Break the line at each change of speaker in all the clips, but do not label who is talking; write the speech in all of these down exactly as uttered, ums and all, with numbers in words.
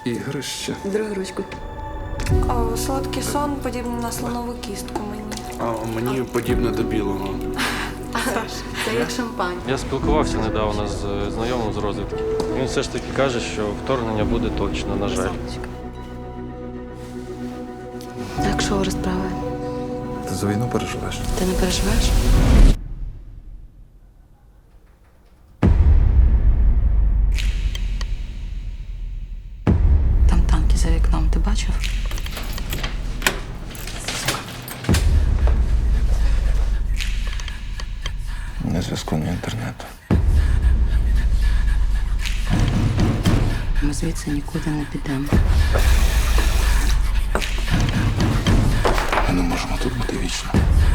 Ігрище.
Другу ручку.
О, солодкий сон подібний на слонову кістку мені.
А мені подібне до білого.
Це як шампань.
Я спілкувався недавно з знайомим з розвідки. Він все ж таки каже, що вторгнення буде точно, на жаль.
Так, що розправи?
Ти за війну переживеш?
Ти не переживаєш? Там танки за вікном, ти бачив?
Не зв'язку, ні інтернету.
Ми звідси нікуди не підемо.
Ми не можемо тут бути вічно.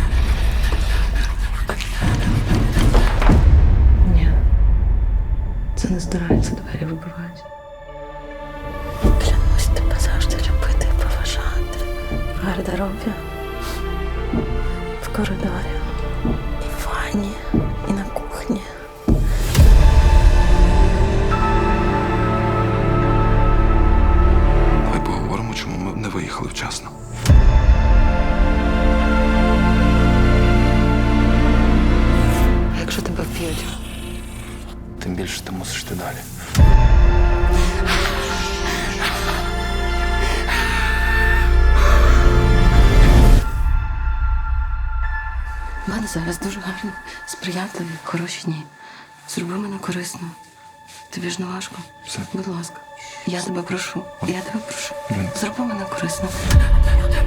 Ні. Це не здирається, двері вибивають. Клянусь тебе завжди любити і поважати. В гардеробі, в коридорі, і в ванні, і на кухні.
Давай поговоримо, чому ми не виїхали вчасно.
А якщо тебе вб'ють?
Тим більше ти мусиш йти далі.
У мене зараз дуже гарні, сприятливі, хороші дні. Зроби мене корисно. Тобі ж не важко.
Все.
Будь ласка. Я тебе прошу. Я тебе прошу.
Ні.
Зроби мене корисно.